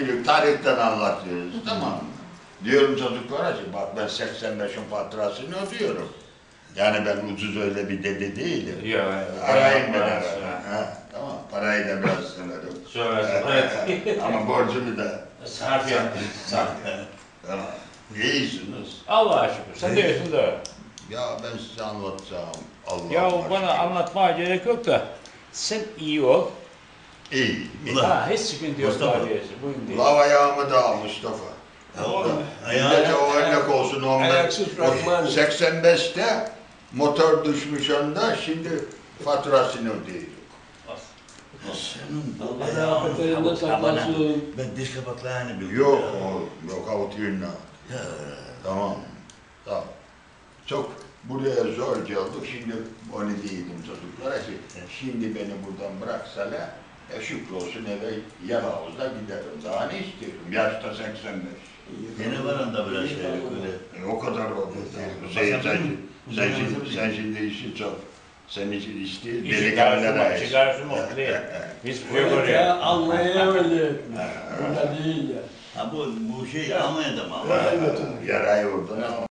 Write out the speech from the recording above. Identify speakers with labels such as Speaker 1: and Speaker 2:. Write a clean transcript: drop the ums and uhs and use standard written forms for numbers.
Speaker 1: biliyorum, tarihten anlatıyoruz, tamam mı? Diyorum çocuklara ki, bak ben 85'in faturasını ödüyorum. Yani ben ucuz öyle bir dede değilim.
Speaker 2: Yok,
Speaker 1: Arayın beni ara. Tamam, parayı da biraz sınırım.
Speaker 2: Evet.
Speaker 1: Ama borcumu da
Speaker 2: Sarf yaptın.
Speaker 1: Tamam. İyisiniz.
Speaker 2: Allah'a şükür. Sen de iyisin de.
Speaker 1: Ya ben size anlatacağım. Allah
Speaker 2: Ya
Speaker 1: aşkına.
Speaker 2: bana anlatmaya gerek yok da. Sen iyi ol.
Speaker 1: İyi.
Speaker 2: Ha, hiç sıkıntı yok.
Speaker 3: Mustafa.
Speaker 2: Bugün değil.
Speaker 1: Lav ayağımı da al Mustafa. Millete o örnek olsun ondan.
Speaker 4: Ayaksız bırakma.
Speaker 1: 85'te motor düşmüş onda, şimdi faturasını ödüyor.
Speaker 3: Senin bu
Speaker 4: Allah afetlerinden saklasın.
Speaker 3: Ben diş kapaklarını biliyorum.
Speaker 1: Yok o, yok avutuyla.
Speaker 3: Ya.
Speaker 1: Tamam. Tamam. Çok buraya zor geldik, şimdi onu değilim çocuklara ki, şimdi beni buradan bıraksalar, şükür olsun eve Yalavuz'da giderim. Daha ne istiyorum? Yaşta 85.
Speaker 3: Yine var onda biraz şey öyle.
Speaker 1: O kadar oldu. Sen şimdi işi çok. Sen işi istiyorsun, delikanlılara iş.
Speaker 2: Çıkarsın mı? Değil. Biz koyu
Speaker 4: Ya
Speaker 2: koruyor.
Speaker 4: anlayamadım. Burada değil ya.
Speaker 3: Ha bu şey Almanya'da mı?
Speaker 4: Evet.
Speaker 1: Yarayı vurdun ama.